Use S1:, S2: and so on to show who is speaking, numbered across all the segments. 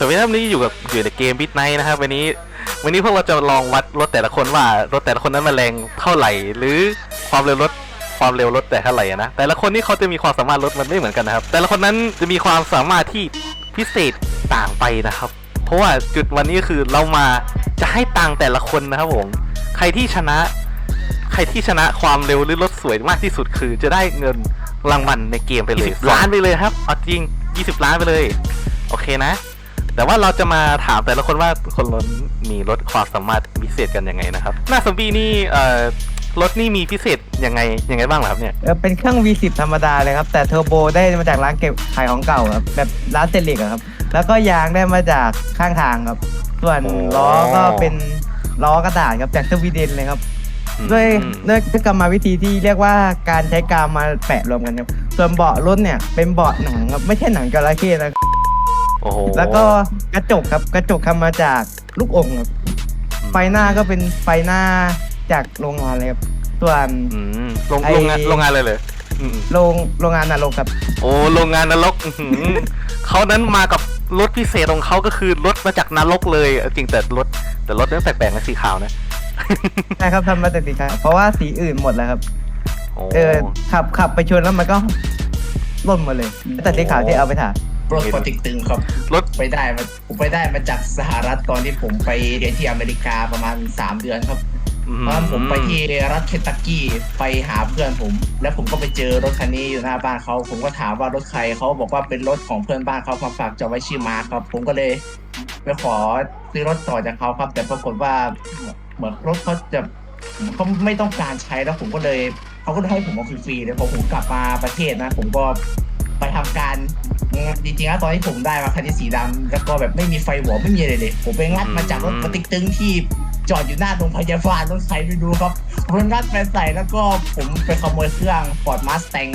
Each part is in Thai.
S1: สวัสดีครับนี่อยู่ในเกม Midnight นะครับวันนี้พวกเราจะลองวัดรถแต่ละคนว่ารถแต่ละคนนั้นมันแรงเท่าไหร่หรือความเร็วรถแต่เท่าไหร่นะแต่ละคนนี่เขาจะมีความสามารถรถมันไม่เหมือนกันนะครับแต่ละคนนั้นจะมีความสามารถที่พิเศษต่างไปนะครับเพราะว่าจุดวันนี้คือเรามาจะให้ตังค์แต่ละคนนะครับผมใครที่ชนะความเร็วหรือรถสวยมากที่สุดคือจะได้เงินรางวัลในเกมไปเลย10 ล้านไปเลยครับเอาจริง20 ล้านไปเลยโอเคนะแต่ว่าเราจะมาถามแต่ละคนว่าคนรถมีรถความสามารถพิเศษกันยังไงนะครับหน้าซอมบี้นี่รถนี่มีพิเศษยังไงบ้างครับเนี่ย
S2: เป็นเครื่อง V10 ธรรมดาเลยครับแต่เทอร์โบได้มาจากร้านเก็บขายของเก่าครับแบบร้านเซลิกครับแล้วก็ยางได้มาจากข้างทางครับส่วนล้อก็เป็นล้อกระดาษครับจากสวีเดนเลยครับด้วยกรรมวิธีที่เรียกว่าการใช้กาวมาแปะรวมกันครับส่วนเบาะรถเนี่ยเป็นเบาะหนังครับไม่ใช่หนังจระเข้นะแล้วก็กระจกครับกระจกทำมาจากลูกอมครับไฟหน้าก็เป็นไฟหน้าจากโรงงานเลยครับส่วน
S1: โรงงานเลย
S2: โรงงานนรกครับ
S1: โอ้โรงงานนรกเขานั้นมากับรถพิเศษของเขาก็คือรถมาจากนรกเลยจริงแต่รถนั้นแปลกๆนะสีขาวนะ
S2: ใช่ครับทำมาจากสีขาวเพราะว่าสีอื่นหมดแล้วครับขับไปชนแล้วมันก็ล่นหมดเลยแต่สีขาวที่เอาไปถ่าย
S3: รถปติกตึงครับผมไปได้มาจากสหรัฐตอนที่ผมไปเรียนที่อเมริกาประมาณ3 เดือนครับตอนผมไปที่รัฐเคนตักกี้ไปหาเพื่อนผมแล้วผมก็ไปเจอรถคันนี้อยู่หน้าบ้านเขาผมก็ถามว่ารถใครเขาบอกว่าเป็นรถของเพื่อนบ้านเขามาฝากจอดไว้ชื่อมาร์คครับผมก็เลยไปขอซื้อรถต่อจากเขาครับแต่ปรากฏว่าเหมือนรถเขาไม่ต้องการใช้แล้วผมก็เลยเขาก็ให้ผมเอาฟรีๆเลยพอผมกลับมาประเทศนะผมก็ไปทำการจริงๆแล้วตอนที่ผมได้มาคันนี้สีดำแล้วก็แบบไม่มีไฟหัวไม่มีอะไรเลยผมไปงัดมาจากรถปติกตึงที่จอดอยู่หน้าโรงพยาบาลรถใครไปดูครับผมงัดไปใส่แล้วก็ผมไปขโมยเครื่อง Ford Mustang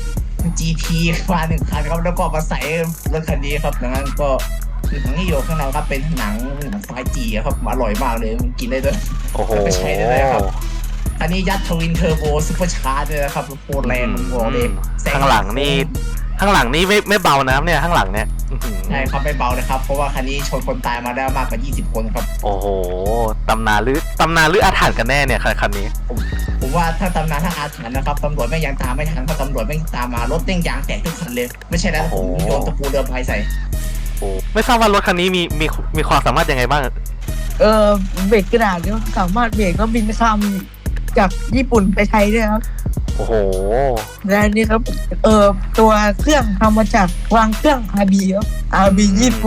S3: GT มา1 คันครับแล้วก็มาใส่รถคันนี้ครับดังนั้นก็คือทั้งที่อยู่ข้างในครับเป็นหนังไฟจีครับอร่อยมากเลยกินได้ด้วยไปใช้ได้เลยครับอันนี้ยัดทวินเทอร์โบซุปเปอร์ชาร์จเลยนะครับโคตรแรงผมบอกเลย
S1: ข้างหลังนี่ไม่เบานะเนี่ยข้างหลังเนี่ย
S3: ใช่ครับไม่เบาเลยครับเพราะว่าคันนี้ชนคนตายมาได้มากกว่า20 คนครับ
S1: โอ้โหตำนานหรืออาถรรพ์กันแน่เนี่ยคันนี้
S3: ผมว่าถ้าตำนานถ้าอาถรรพ์นะครับตำรวจไม่ยังตามไม่ทันเพราะตำรวจไม่ตามมารถเต้งยางแตกทุกคันเลยไม่ใช่แล้วผมโยนตะปูเรือพายใส่
S1: ไม่ทราบว่ารถคันนี้มีความสามารถยังไงบ้าง
S4: เบรกกระดาษเนี่ยสามารถเบรกแล้วบินข้ามจากญี่ปุ่นไปไทยด้วยครับ
S1: โอ้โห
S4: และนี่ครับตัวเครื่องทำมาจากวางเครื่อง RB ครับ RB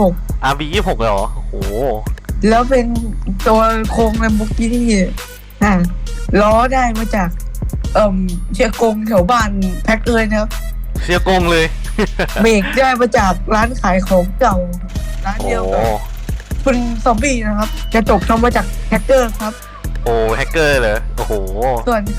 S1: 26เลยเหรอโอ้โห
S4: แล้วเป็นตัวโครงแลมโบกินี่ล้อได้มาจากเชียร์กงแถวบ้านแพ็คเลยนะครับ
S1: เชียร์กงเลย
S4: เบรกได้มาจากร้านขายของเก่าร้านเดียวกับคุณซอมบี้นะครับกระจกทำมาจากแฮกเกอร์ครับ
S1: โอ้แฮกเกอร์เหรอโอ้โห
S4: ส่วน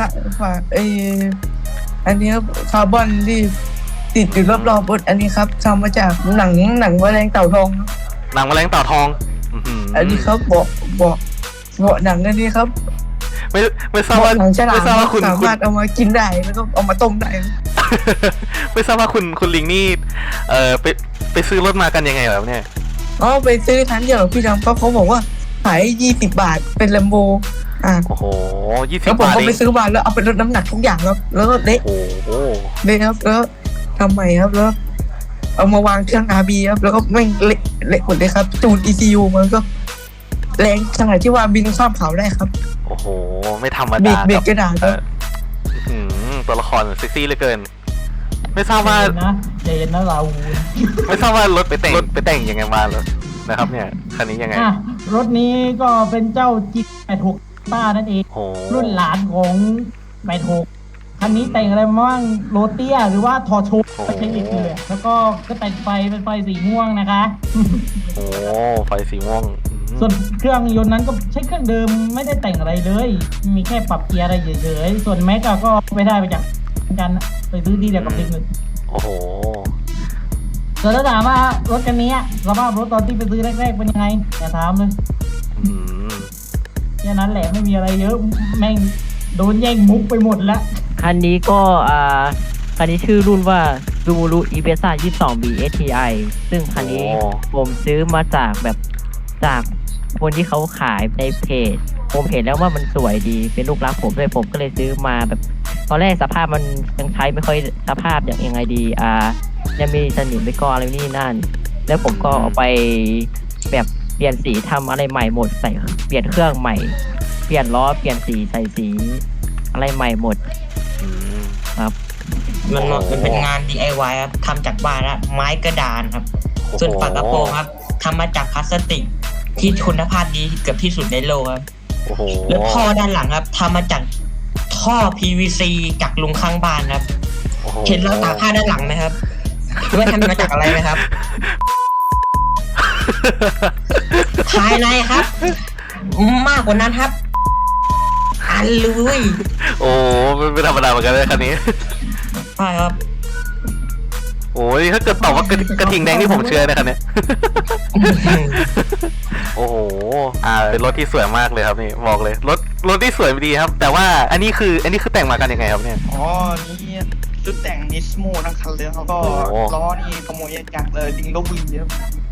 S4: อันนี้คาร์บอนที่ติดอยู่รอบๆบนอันนี้ครับทำมาจากหนังแมลงเต่าทอง
S1: หนังแมลงเต่าทอง
S4: อันนี้ครับเบาะหนังอันนี้ครับ
S1: ไม่ทราบว่า
S4: คุณสามารถเอามากินได้แล้วก็เอามาต้มได้
S1: ไม่ทราบว่าคุณลิงนี่ไปซื้อรถมากันยังไงแบบเนี่ย
S4: ไปซื้อทันเดียวพี่ดำเขาบอกว่าขาย20 บาทเป็นแลมโบ
S1: โอ้โห20 บาท
S4: แล้วผมก็ไปซื้อมาแล้วเอาไปลดน้ำหนักทุกอย่างครับแล้วก็เละครับแล้วทำไมครับแล้วเอามาวางเครื่อง RB ครับแล้วก็ไม่เละหมดเลยครับจูน ECU มันก็แรงขนาดที่ว่าบินข้ามเขาได้ครับ
S1: โอ้โหไม่ธรรมดา
S4: เบรกกระดาษครับ
S1: ตัวละครเซ็กซี่เหลือเกินไม่ทราบว่า
S5: เจนนะเรา
S1: ไม่ทราบว่ารถไปแต่งยังไงมาเลยนะครับเนี่ยคันนี้ยังไง
S5: รถนี้ก็เป็นเจ้าจิ๊ก86ต้านั่นเองรุ่นหลานของ86คันนี้แต่งอะไรมาบ้างโรเตียหรือว่าทอโชไม่ใช่เอกเลยแล้วก็แต่งไฟเป็นไฟสีม่วงนะคะ
S1: โอ้ไฟสีม่วง
S5: ส่วนเครื่องยนต์นั้นก็ใช้เครื่องเดิมไม่ได้แต่งอะไรเลยมีแค่ปรับเกียร์อะไรเฉยๆส่วนแม็กก็ไม่ได้ไปจากกันไปซื้อที่เดียวกับเด็กเลย
S1: โอ้โห
S5: ส่วนถ้าถามว่ารถคันนี้สภาพรถตอนที่ไปซื้อแรกๆเป็นยังไงอย่าถามเลยแค่นั้นแหละไม่มีอะไรเยอะแม่งโดนแย่งมุกไปหมดแล้ว
S6: คันนี้ก็คันนี้ชื่อรุ่นว่า Subaru Impreza 22B STI ซึ่งคันนี้ผมซื้อมาจากจากคนที่เขาขายในเพจ ผมเห็นแล้วว่ามันสวยดีเป็นลูกรักผมด้วยผมก็เลยซื้อมาตอนแรกสภาพมันยังใช้ไม่ค่อยสภาพอย่างยังไงดียังมีสนิมไปก่ออะไรนี่นั่น แล้วผมก็เอาไปแบบเปลี่ยนสีทำอะไรใหม่หมดใส่เปลี่ยนเครื่องใหม่ เปลี่ยนล้อเปลี่ยนสีใส่สีอะไรใหม่หมดครับ
S7: มันเป็นงาน DIY ครับทำจากบ้านนะไม้กระดานครับ ส่วนฝากระโปรงครับทำมาจากพลาสติกที่คุณภาพดีเกือบที่สุดในโลกครับแล้วท่อด้านหลังครับทำมาจากท่อ PVC จากลุงข้างบ้านครับเห็นเราตากผ้าด้านหลังไหมครับรู้ว่าทำมาจากอะไรไหมครับ ภายในครับ มากกว่านั้นครับอันลุย
S1: โอ้ไม่ธรรมดาเหมือนกันเลยคันนี้
S7: ใช่ครับ
S1: โอ้ยถ้าเกิดตอบว่ากระทิงแดงที่ผมเชื่อนะครับเนี่ย โอ้โหเป็นรถที่สวยมากเลยครับนี่บอกเลยรถที่สวยดีครับ แต่ว่าอันนี้คือแต่งมากันยังไงครับเนี่ย
S8: อ๋อ นี่ชุดแต่งนิสโมทั้งคันเลยเขาก็
S1: โอ้
S8: ล้อนี่ขโมยจากดิงลบบุรีครับ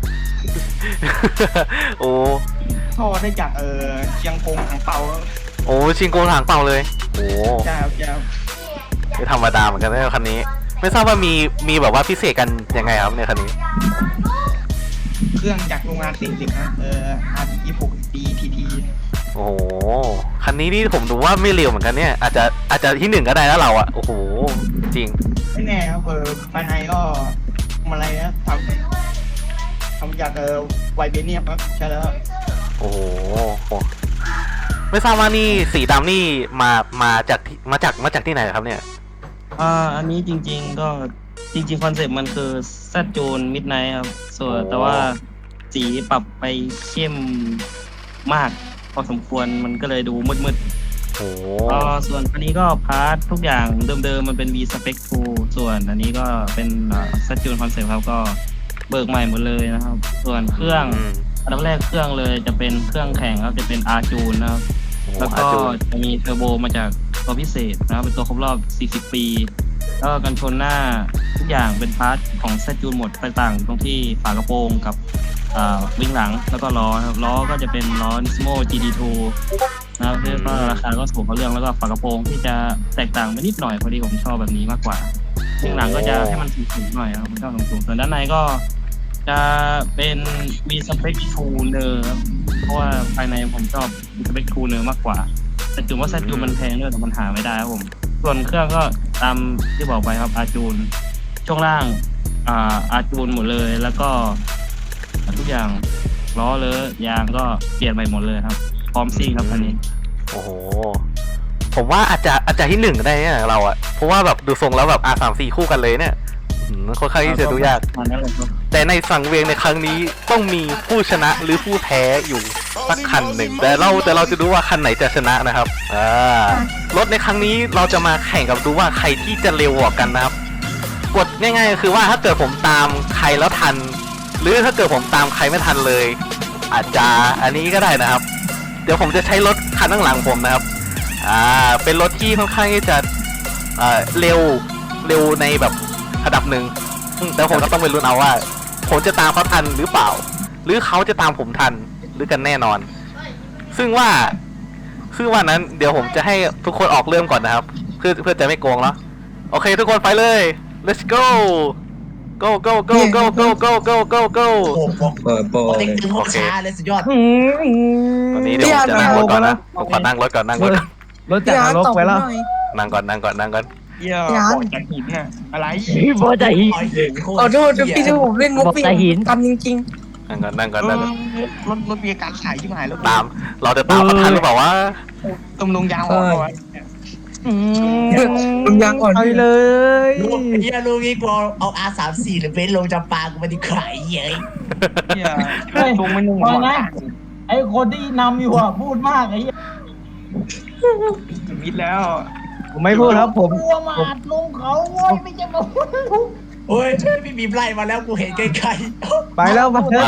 S1: โอ้
S8: ท่อได้จากเชียงกงถังเปาครับ
S1: โอ้ชิงโกงหางเป่าเลยโอ้
S8: ใช่ครับใช่ครับ
S1: ไม่ธรรมดาเหมือนกันนะคันนี้ ไม่ทราบว่ามีแบบว่าพิเศษกันยังไงครับในคันนี้
S8: เครื่องจากโรงงาน40นะRT26 DTT
S1: โอ้โหคันนี้นี่ผมดูว่าไม่เร็วเหมือนกันเนี่ยอาจจะที่หนึ่งก็ได้แล้วเราอะโอ้โหจริง
S8: ไม่แน่ครับภายในก็ทำอะไรนะทำจากไวเบเนียมครับใช่แล้วครับ
S1: โอ้โหไม่ทราบว่านี่สีดำนี่มาจากที่ไหนครับเนี่ย
S9: อันนี้จริงๆก็จริงๆคอนเซ็ปต์มันคือแซดจูนมิดไนท์ครับส่วนแต่ว่าสีปรับไปเข้มมากพอสมควรมันก็เลยดูมืด
S1: โอ้
S9: ๆส่วนอันนี้ก็พาร์ททุกอย่างเดิมๆมันเป็น V Spec 2ส่วนอันนี้ก็เป็นแซดจูนคอนเซ็ปต์ครับก็เบิกใหม่หมดเลยนะครับ ส่วนเครื่องอันดับแรกเครื่องเลยจะเป็นเครื่องแข่งครับจะเป็น R จูนนะครับแล้วก็จะมีเทอร์โบมาจากตัวพิเศษนะครับเป็นตัวครบรอบ 40 ปี แล้วก็กันชนหน้าทุกอย่างเป็นพาร์ทของแซดจูนหมดไปต่างตรงที่ฝากระโปรงกับวิ่งหลังแล้วก็ล้อครับล้อก็จะเป็นล้อ Nismo GD2 นะครับแล้วก็ราคาก็ถูกเขาเรื่องแล้วก็ฝากระโปรงที่จะแตกต่างไปนิดหน่อยพอดีผมชอบแบบนี้มากกว่าวิ่งหลังก็จะให้มันสูงๆหน่อยครับผมชอบสูงๆส่วนด้านในก็จะเป็น V Spec Tuner ครับเพราะว่าภายในผมชอบ V Spec Tuner มากกว่าแต่จุดว่าแซดจูนมันแพงด้วยแต่มันหาไม่ได้ครับผมส่วนเครื่องก็ตามที่บอกไปครับอาจูนช่วงล่างอาจูนหมดเลยแล้วก็ทุกอย่างล้อเลยยางก็เปลี่ยนใหม่หมดเลยครับพร้อมซิ่งครับคันนี้
S1: โอ้โหผมว่าอาจจะที่หนึ่งได้เนี่ยเราอะเพราะว่าแบบดูทรงแล้วแบบR34คู่กันเลยเนี่ยค่อนข้างที่จะดูยาก แต่ในสังเวียนในครั้งนี้ต้องมีผู้ชนะหรือผู้แพ้อยู่สักคันหนึ่งแต่เราจะดูว่าคันไหนจะชนะนะครับรถในครั้งนี้เราจะมาแข่งกับดูว่าใครที่จะเร็วกว่ากันนะครับกฎง่ายๆก็คือว่าถ้าเกิดผมตามใครแล้วทัน หรือถ้าเกิดผมตามใครไม่ทันเลย อาจจะอันนี้ก็ได้นะครับ เดี๋ยวผมจะใช้รถคันข้างหลังผมนะครับเป็นรถที่ค่อนข้างที่จะเร็วในแบบระดับหนึ่งแต่ผมก็ต้องไปลุ้นเอาว่าผมจะตามเขาทันหรือเปล่า หรือเขาจะตามผมทันหรือกันแน่นอน ซึ่งว่านั้นเดี๋ยวผมจะให้ทุกคนออกเริ่มก่อนนะครับเพื่อจะไม่โกงแล้วโอเคทุกคนไปเลย let's go go go go go go go go go go
S3: โอ้เด็กตื่นพวกช้าเลยสุดยอด
S1: ตอนนี้เดี๋ยวผมจะนั่งรถก่อนนะผมขอนั่งรถก่อน
S2: รถจากนรกไปแล้ว
S1: นั่งก่อน
S8: เยี่ยบอกจากหินน่ะอะไร
S6: บอใจหิน
S4: ขอโทษพี่ที่ผมเล่นมุก
S6: บอกแต่หิน
S4: กันจริง
S1: นั่งก่อน
S8: รถมีอาการขายที่หายแล้ว
S1: ตามเราจะตามเขาทันหรือเปล่าวะ
S8: ตุ้มลงยางออกเอาไว้
S4: ๆผมยังก่อน
S2: เอาเลย
S3: ลุงงี้กูเอา R34 หรือเบนซ์ลงจำปากูมาดีขายเย้ย
S8: เยี่ย
S5: เฮ้ย
S8: ลงไม่ลง
S5: ฟังนะไอ้คนที่นำอยู่อ่ะพูดมากไอ้เหี้ย
S8: มิดแล้ว
S2: ผมไม่พูดครับผม
S5: กลัวมาอัดลงเขาโว้ยไม่ใช่มาพูด
S3: โอ้ยพี่บีมไล่มาแล้วกูเห็นไกลๆ
S2: ไปแล้วมา
S1: มา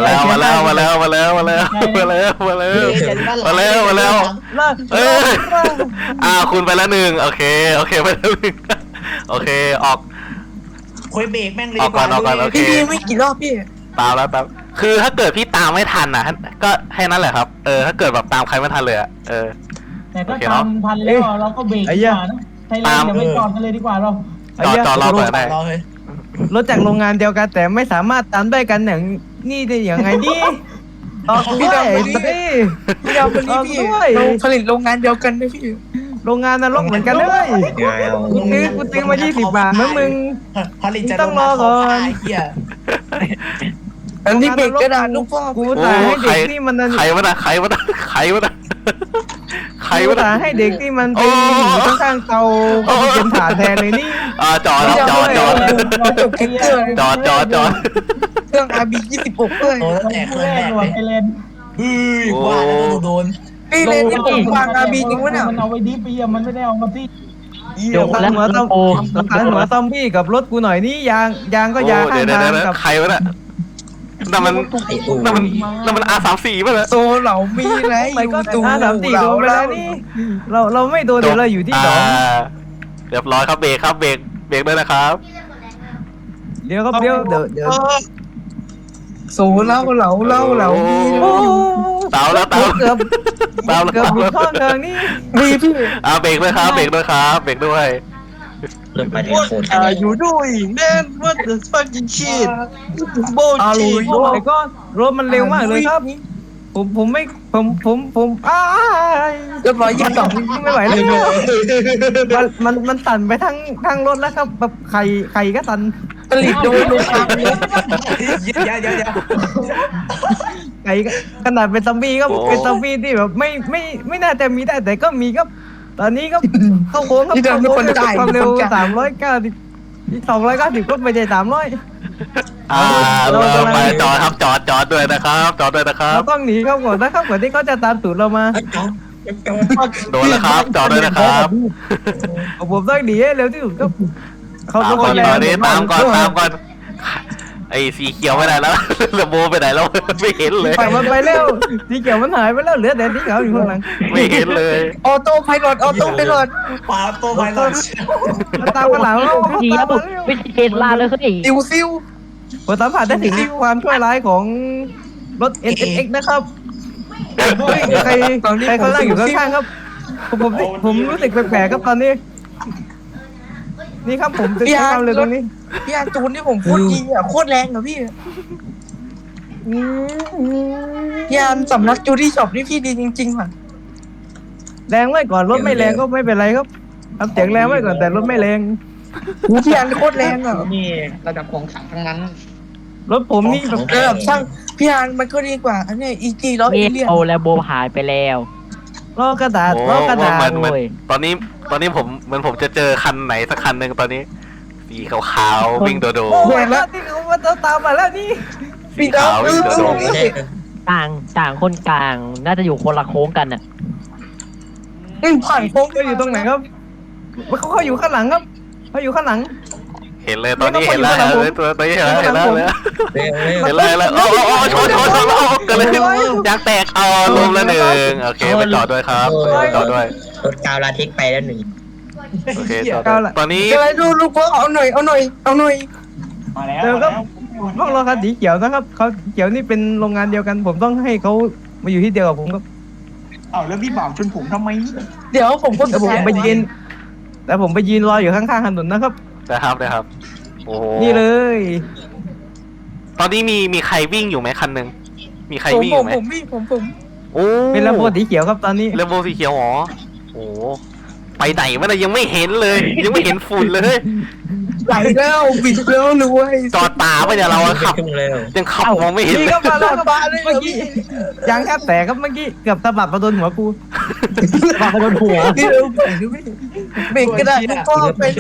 S1: แล้วเอ้ยคุณไปแล้วหนึ่งโอเคไปแล้วหนึ่งโอเคออก
S3: คุยเบรกแม่งเลย
S1: เอาก่อนเอาก่อนโอเค
S4: พี่ไม่กี่รอบพี่
S1: ตามแล้วตามคือถ้าเกิดพี่ตามไม่ทันนะก็แค่นั้นแหละครับถ้าเกิดแบบตามใครไม่ทันเลยอะ
S5: แต่ก็
S1: โอเคเนอะ
S5: ทำทันแล้วเราก็เบรกดีกว่านะไทยแลนด์อย่าไปจอดกันเลยดีกว่าเรา
S1: จอดรอก่อนได้
S3: รอเลย
S2: รถจากโรงงานเดียวกันแต่ไม่สามารถตามได้กันอย่างนี่ได้อย่างไงนี่ต่อด้วยนี่
S4: พี่ดาววันนี้พี่เราผลิตโรงงานเดียวกันด้วยพี่
S2: โรงงานนรกเหมือนกันเลยกูซื้อมา20 บาทนะมึง
S3: ผลิตจะ
S2: ต้องรอก่อน
S3: ไอ้เหี้ย
S4: อันนี้เบรกกระดาษลูกพ่อ
S2: กูตายให้เด็กนี่มัน
S1: ใครวะนะใครวะนะใครวะนะใคร
S2: กู
S1: วะนะ
S2: ตายให้เด็กนี่มันไปอยู่ข้างๆเตาเป็นฐานแทนเลยนี่
S1: จอดจอด
S4: จบแค่เครื่อง
S1: จอด
S4: เครื่อง RB 26ด้วย
S3: โอ้ตั้งแต่เครื่องแรก
S5: ด่ว
S3: เล
S5: น
S3: ย
S5: ไทยแลนด์
S3: ว่าแล้วโดน
S4: พี่เลนที่ผมวาง RB จริงวะเนี่ย
S5: มันเอาไว้ดิฟปีอะมันไม่ได้เอามาที่
S2: เดี๋ยวหัวซอมบี้กับรถกูหน่อยนี่ยางก็ยางข้าง
S1: เดี๋ยว
S2: ทางกับ
S1: ใครวะน่ะนั่นมันR34ป่ะเนี่ย
S4: โซเหลามีไร
S2: ไปก็
S4: ตู
S2: 3-4โดนไปแล้วนี่เราไม่โดนเดี๋ยวเราอยู่ที่สอง
S1: เรียบร้อยครับเบรกครับเบรกด้วยนะครับ
S2: เดี๋ยวครับเดี๋ยว
S4: โซเหลามี
S2: โอ้
S1: เตาแล้ว
S2: เกือบหลุดข้อเทิงนี่
S4: มีพี่
S1: เบรกด้วยครับเบรกด้วยครับเบรกด้วย
S7: เริ่มไปถึงโคตร
S8: อยู่ด้วยแม่น what the fucking shit โบ
S2: อาลุ
S8: ชี
S2: ยไอ้ก็รถมันเร็วมากเลยครับผมไม่อ้าย
S4: เรียบร้อย22
S2: ไม่ไหวแล้วมันสั่นไปทั้งรถแล้วครับแบบไข่ก็สั่น
S4: ผลิตโดยลูกค้า
S3: เดี๋ยว
S2: ไข่ขนาดเป็นซอมบี้ก็เป็นซอมบี้ที่แบบไม่น่าจะมีได้แต่ก็มีครับตอนนี้ก็เข้าโค้งครับเข้าโค้งด้วยความเร็ว390 290ก็ไม่ใช่300
S1: เราไปจอดครับจอดด้วยนะครับจอดด้วยนะครับ
S2: เราต้องหนีเขาก่อนนะครับก่อนที่เขาจะตามตูดเรามา
S1: โดนแล้วครับจอดด้วยนะครับ
S2: ผมต้องหนีให้เร็วที่สุดครับเขา
S1: ตาม
S2: ต้อง
S1: ก่อน
S2: แรง
S1: ตามก่อนไอ้สีเขียวไปไหนแล้วเรือโบไปไหนแล้วไม่เห็นเลย
S2: ปล่อยมันไปแล้วสีเขียวมันหายไปแล้วเหลือแต่สีขาวอยู่ข้างหลัง
S1: ไม่เห็นเลย
S4: ออโต้ไพลอต
S3: ปาโตไปแล้ว
S2: มันตามข้างหลังแล้ว
S6: ดีแล้วไม่ใช่เทสลาเลยเฮ้ย
S4: ติวซิว
S2: ผมสัมผัสได้ถึงความชั่วร้ายของรถ NSX นะครับใครเขานั่งอยู่ข้างๆครับผมรู้สึกแปลกๆครับตอนนี้ นี่ครับผมจะทำเลยตรงนี้
S4: พี่อาจูนที่ผมโคตรดีอ่ะโคตรแรงอ่ะพี่พี่อาสำนักจูดี้ช็อปนี่พี่ดีจริงๆว่ะ
S2: แรงไว้ก่อนรถไม่แรงก็ไม่เป็นไรครับทำเสียงแรงไว้ก่อนแต่รถไม่แรง
S4: พี่อาโคตรแรงอ่ะ
S8: นี่ระดับของขังทั้งนั้น
S2: รถผมนี่แบบ
S4: ระดับช่างพี่อามันก็ดีกว่าอันนี้อีจีล้อเอเลียน
S6: เอาแล้วโบหายไปแล้ว
S2: ล้อกระดาษ
S1: โอ้
S2: ล้อกระดาษ
S1: เหมือนตอนนี้ผมเหมือนผมจะเจอคันไหนสักคันหนึ่งตอนนี้สีขาวๆวิ่งโดด
S2: โอ้ยแล้วที่เขามาตามมาแล้วนี่
S4: พี่ดาว
S6: ต่างคนกลางน่าจะอยู่คนละโค้งกันน่ะ
S4: ผ่านโค้ง
S2: เขาอยู่ตรงไหนครับเขาอยู่ข้างหลังครับเขาอยู่ข้างหลัง
S1: เห็นเลยตอนนี้เห็นแล้วตอนนี้เห็นแล้วเห็นแล้วโอ้ชนเกิดอะไรขึ้นยางแตกลมละหนึ่งโอเคไปจอดด้วยครับจอดด้วย
S7: รถกาวลาทิกไปแล้วหนึ่ง
S1: โอเคตอนนี้
S4: อะไรดูลูกว่าเอาหน่อย
S8: มาแล้ว
S2: เดี๋ยวครับพวกเราคันสีเขียวนะครับเขาเขียวนี่เป็นโรงงานเดียวกัน ผมต้องให้เขามาอยู่ที่เดียวกับผมครับ
S8: เอาแล้วพี่บ่าวชนผมทำไม
S4: เดี๋ยวผมก็
S2: แต่ผมไปยืนรออยู่ข้างๆถนนนะครับ
S1: นะครับโอ้
S2: นี่เลย
S1: ตอนนี้มีใครวิ่งอยู่ไหมคันหนึ่งมีใครวิ่งอยู่ไหม
S4: ผม
S1: โอ้
S2: เป็นลำโพงสีเขียวครับตอนนี้
S1: เรนโบว์สีเขียวหรอโอ้ไปไหนวะเนี่ยยังไม่เห็นเลย ยังไม่เห็นฝุ่นเลย
S4: ไหลแล้วบิดแล้วรวย
S1: จอดป่าไปเนี่ยเราขับ
S7: ขึ้นเลย
S1: ยังขับมองไม่เห็น
S2: นี่
S1: เลย
S2: ก็มาแล้วครับเมื่อกี้ยางแทบแตกครับเมื่อกี้เกือบสะบัดมาโดนหัวกู
S6: มาโดนหัว
S4: นี่เราเบรกกระดาษก็ไปเลย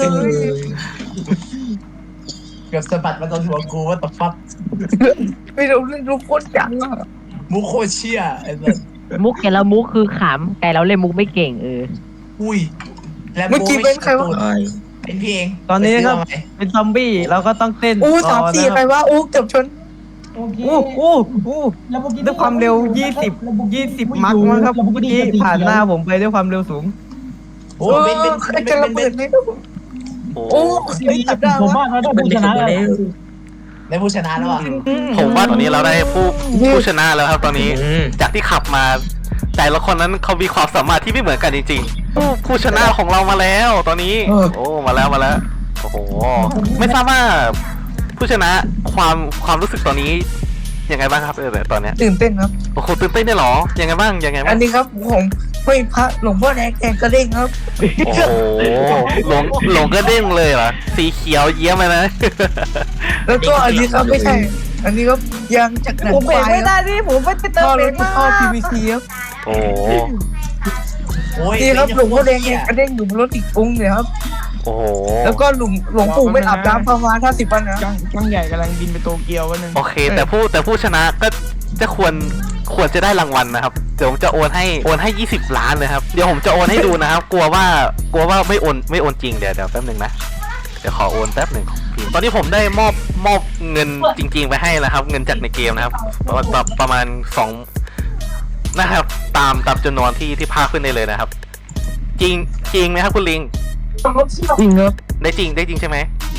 S3: เกือบสะบัดมาโดนหัวกูว่าตบฟัด
S4: ไม่รู้เรื่องรู้โคตรจังอ่ะ
S3: มูโคเชียไอ้สัส
S6: มุกแกแล้วมุกคือขำแต่เราเล่นมุกไม่เก่ง
S3: อุ้ยแล้ว
S4: เมื่อกี้เป็นใครวะ
S3: เป็นพี่เอง
S2: ตอนนี้ครับเป็นซอมบี้เราก็ต้องเต้น
S4: 3-4ใครวะเกือบชน
S5: โอเค
S2: แล้วเมื่อกี้ด้วยความเร็ว20มักมั้งครับเมื่อกี้ผ่านหน้าผมไปด้วยความเร็วสูง
S3: โอ้
S4: ใครจะระเบิดเลย
S1: โอ้
S4: โอ้ยจับได้
S5: ผม
S4: วะ
S5: ว่าเราได้ผู้ชนะแล้ว
S3: ได้ผู้ชนะแล้วอ่ะ
S1: ผมว่าตอนนี้เราได้ผู้ชนะแล้วครับตอนนี้ จากที่ขับมาแต่ละคนนั้นเขามีความสามารถที่ไม่เหมือนกันจริงๆผู้ชนะของเรามาแล้วตอนนี้โอ้มาแล้วโอ้โหไม่ทราบว่าผู้ชนะความรู้สึกตอนนี้ยังไงบ้างครับตอนเนี้ย
S4: ตื่นเต้นครับ
S1: โอ้โหตื่นเต้นได้หรอยังไงบ้าง
S4: อันนี้ครับผมไม่พระหลวงพ่อแดงแกงกระเด้งครับ
S1: โอ้โหหลงก็เด้งเลยเหรอสีเขียวเยี่ยมเลยนะ
S4: แล้วก็อันนี้ครับไม่ใช่ อันนี้ครับยางจากหนัง
S2: ผมเบรก
S4: ควาย
S2: ไม่
S4: ค
S2: ได้
S4: รับ
S2: นี่ผมไม่ไปเติม
S4: ท่อ
S2: เบ
S4: ร
S2: ร
S4: ถ
S2: กมา
S4: ท่อ PVC ครับ
S1: โอ้
S3: โอ้ย
S4: นี่ครับหลวงพ่อแดงแกงกระเด้งอยู่บนรถอีกองค์เลยครับ
S1: โอ้โห
S4: แล้วก็หลวงปู่ไม่อาบน้ำประมาณ50 วันนะ
S8: จ้องใหญ่กำลังบินไปโตเกียววันนึง
S1: โอเคแต่ผู้ชนะก็จะควรจะได้รางวัลนะครับเดี๋ยวผมจะโอนให้20 ล้านเลยครับเดี๋ยวผมจะโอนให้ดูนะครับ กลัวว่าไม่โอนจริงเดี๋ยวแป๊บหนึ่งนะเดี๋ยวขอโอนแป๊บหนึ่งตอนนี้ผมได้มอบเงินจริงๆไปให้แล้วครับ เงินจากในเกมนะครับประมาณ2นะครับตามจำนวนที่พาขึ้นได้เลยนะครับ จริงไหมครับคุณลิง
S4: จริงครับ
S1: ได้จริงใช่ไหม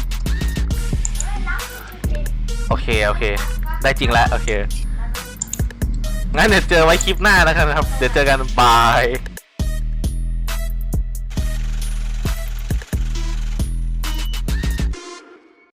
S1: โอเคได้จริงแล้วโอเคงั้นเดี๋ยวเจอไว้คลิปหน้าแล้วกันนะครับเดี๋ยวเจอกันบาย